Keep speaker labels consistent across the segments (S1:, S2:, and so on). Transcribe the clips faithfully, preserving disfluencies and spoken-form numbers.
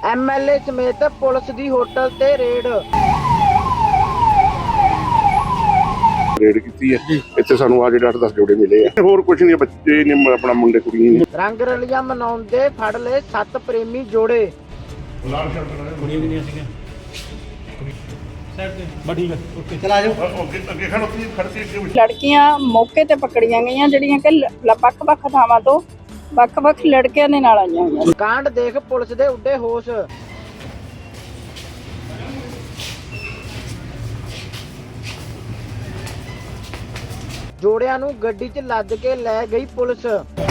S1: M L A ਸਮੇਤ police ਦੀ hotel ਤੇ ਰੇਡ
S2: ਰੇਡ ਕੀਤੀ ਹੈ। ਇੱਥੇ ਸਾਨੂੰ ਆ ਜਿਹੜੇ ਅੱਠ ਦਸ ਜੋੜੇ ਮਿਲੇ ਆ। ਹੋਰ ਕੁਝ ਨਹੀਂ, ਬੱਚੇ ਨੇ ਆਪਣਾ ਮੁੰਡੇ ਕੁੜੀਆਂ ਨੇ।
S1: ਰੰਗ ਰਲੀਆਂ ਮਨਾਉਂਦੇ ਫੜ ਲਏ ਸੱਤ ਪ੍ਰੇਮੀ ਜੋੜੇ।
S3: ਕੁੜੀਆਂ ਵੀ ਨਹੀਂ ਸੀਗੀਆਂ ਬਸ ਠੀਕ ਹੈ ਓਕੇ ਚਲ ਆ ਜਾਓ ਅੱਗੇ ਅੱਗੇ ਖੜੋ ਤੁਸੀਂ ਖੜਤੀ
S4: ਲੜਕੀਆਂ ਮੌਕੇ ਤੇ ਪਕੜੀਆਂ ਗਈਆਂ ਜਿਹੜੀਆਂ ਕਿ ਵੱਖ-ਵੱਖ ਥਾਵਾਂ ਤੋਂ ਵੱਖ-ਵੱਖ ਲੜਕਿਆਂ ਦੇ ਨਾਲ ਆਈਆਂ ਹੋਈਆਂ।
S1: ਕਾਂਡ ਦੇਖ ਪੁਲਿਸ ਦੇ ਉੱਡੇ ਹੋਸ਼। ਜੋੜਿਆਂ ਨੂੰ ਗੱਡੀ 'ਚ ਲੱਦ ਕੇ ਲੈ ਗਈ ਪੁਲਿਸ।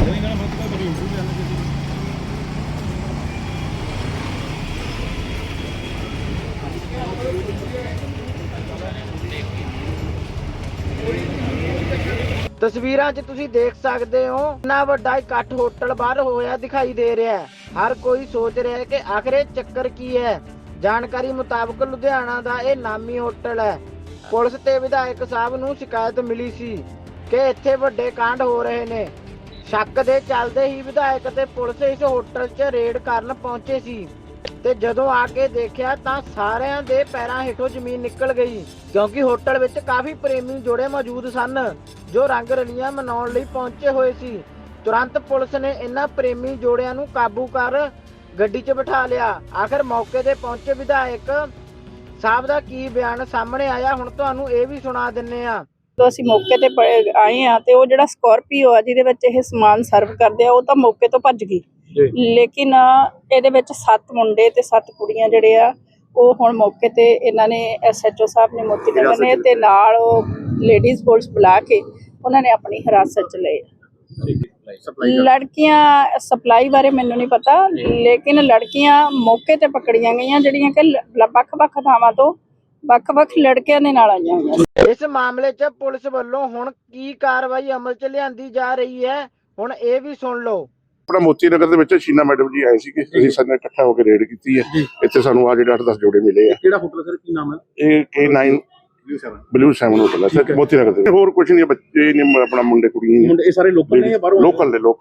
S1: ਤਸਵੀਰਾਂ 'ਚ ਤੁਸੀਂ ਦੇਖ ਸਕਦੇ ਹੋ ਇੰਨਾ ਵੱਡਾ ਇਕੱਠ ਹੋਟਲ ਬਾਹਰ ਹੋਇਆ ਦਿਖਾਈ ਦੇ ਰਿਹਾ ਹੈ। ਹਰ ਕੋਈ ਸੋਚ ਰਿਹਾ ਹੈ ਕਿ ਆਖਰ ਇਹ ਚੱਕਰ ਕੀ ਹੈ। ਜਾਣਕਾਰੀ ਮੁਤਾਬਕ ਲੁਧਿਆਣਾ ਦਾ ਇਹ ਨਾਮੀ ਹੋਟਲ ਹੈ। ਪੁਲਿਸ ਤੇ ਵਿਧਾਇਕ ਸਾਹਿਬ ਨੂੰ ਸ਼ਿਕਾਇਤ ਮਿਲੀ ਸੀ ਕਿ ਇੱਥੇ ਵੱਡੇ ਕਾਂਡ ਹੋ ਰਹੇ ਨੇ। ਸ਼ੱਕ ਦੇ ਚੱਲਦੇ ਹੀ ਵਿਧਾਇਕ ਤੇ ਪੁਲਿਸ ਇਸ ਹੋਟਲ 'ਚ ਰੇਡ ਕਰਨ ਪਹੁੰਚੇ ਸੀ ਤੇ ਜਦੋਂ ਆ ਕੇ ਦੇਖਿਆ ਤਾਂ ਸਾਰਿਆਂ ਦੇ ਪੈਰਾਂ ਹੇਠੋਂ ਜ਼ਮੀਨ ਨਿਕਲ ਗਈ, ਕਿਉਂਕਿ ਹੋਟਲ ਵਿੱਚ ਕਾਫੀ ਪ੍ਰੇਮੀ ਜੋੜੇ ਮੌਜੂਦ ਸਨ ਜੋ ਰੰਗ ਰਲੀਆਂ ਮਨਾਉਣ ਲਈ ਪਹੁੰਚੇ ਹੋਏ ਸੀ। ਤੁਰੰਤ ਪੁਲਿਸ ਨੇ ਇਹਨਾਂ ਪ੍ਰੇਮੀ ਜੋੜਿਆਂ ਨੂੰ ਕਾਬੂ ਕਰ ਗੱਡੀ 'ਚ ਬਿਠਾ ਲਿਆ। ਆਖਰ ਮੌਕੇ ਤੇ ਪਹੁੰਚੇ ਵਿਧਾਇਕ ਸਾਹਿਬ ਦਾ ਕੀ ਬਿਆਨ ਸਾਹਮਣੇ ਆਇਆ, ਹੁਣ ਤੁਹਾਨੂੰ ਇਹ ਵੀ ਸੁਣਾ ਦਿੰਨੇ ਆ।
S4: ਜਦੋਂ ਅਸੀਂ ਮੌਕੇ ਤੇ ਪ- ਆਏ ਆ ਤੇ ਉਹ ਜਿਹੜਾ ਸਕੋਰਪੀਓ ਆ ਜਿਹਦੇ ਵਿੱਚ ਇਹ ਸਮਾਨ ਸਰਵ ਕਰਦੇ ਆ ਉਹ ਤਾਂ ਮੌਕੇ ਤੋਂ ਭੱਜ ਗਈ, ਲੇਕਿਨ ਇਹਦੇ ਵਿੱਚ ਸੱਤ ਮੁੰਡੇ ਤੇ ਸੱਤ ਕੁੜੀਆਂ ਜਿਹੜੇ ਆ ਉਹ ਹੁਣ ਮੌਕੇ ਤੇ ਇਹਨਾਂ ਨੇ ਐਸ ਐਚ ਓ ਸਾਹਿਬ ਨੇ ਮੋਤੀ ਨਗਰ ਨੇ ਤੇ ਨਾਲ ਉਹ ਲੇਡੀਜ਼ ਪੁਲਿਸ ਬੁਲਾ ਕੇ ਉਹਨਾਂ ਨੇ ਆਪਣੀ ਹਿਰਾਸਤ 'ਚ ਲਏ। ਲੜਕੀਆਂ ਸਪਲਾਈ ਬਾਰੇ ਮੈਨੂੰ ਨਹੀਂ ਪਤਾ, ਲੇਕਿਨ ਲੜਕੀਆਂ ਮੌਕੇ ਤੇ ਪਕੜੀਆਂ ਗਈਆਂ ਜਿਹੜੀਆਂ ਕਿ ਵੱਖ-ਵੱਖ ਥਾਵਾਂ ਤੋਂ ਵੱਖ-ਵੱਖ ਲੜਕਿਆਂ ਦੇ ਨਾਲ ਆਈਆਂ ਹੋਈਆਂ।
S1: ਇਸ ਮਾਮਲੇ 'ਚ ਪੁਲਿਸ ਵੱਲੋਂ ਹੁਣ ਕੀ ਕਾਰਵਾਈ ਅਮਲ 'ਚ ਲਿਆਂਦੀ ਜਾ ਰਹੀ ਹੈ, ਹੁਣ ਇਹ ਵੀ ਸੁਣ ਲਓ।
S2: ਆਪਣਾ ਮੋਤੀ ਨਗਰ ਦੇ ਵਿੱਚ ਸ਼ੀਨਾ ਮੈਡਮ ਜੀ ਆਏ ਸੀਗੇ, ਅਸੀਂ ਸਾਰੇ ਨੇ ਇਕੱਠਾ ਹੋ ਕੇ ਰੇਡ ਕੀਤੀ ਹੈ। ਇੱਥੇ ਸਾਨੂੰ ਆ ਜਿਹੜੇ ਅੱਠ ਦਸ ਜੋੜੇ ਮਿਲੇ ਆ।
S3: ਕਿਹੜਾ ਹੋਟਲ ਸਰ, ਕੀ ਨਾਮ ਹੈ?
S2: ਇਹ K nine blue seven hotel ਹੈ ਸਰ, ਮੋਤੀ ਨਗਰ ਦੇ। ਹੋਰ ਕੁਝ ਨਹੀਂ, ਬੱਚੇ ਨੇ ਆਪਣਾ ਮੁੰਡੇ ਕੁੜੀਆਂ ਨੇ।
S3: ਮੁੰਡੇ ਇਹ ਸਾਰੇ ਲੋਕਲ ਨੇ ਜਾਂ ਬਾਹਰੋਂ?
S2: ਲੋਕਲ ਦੇ ਲੋਕ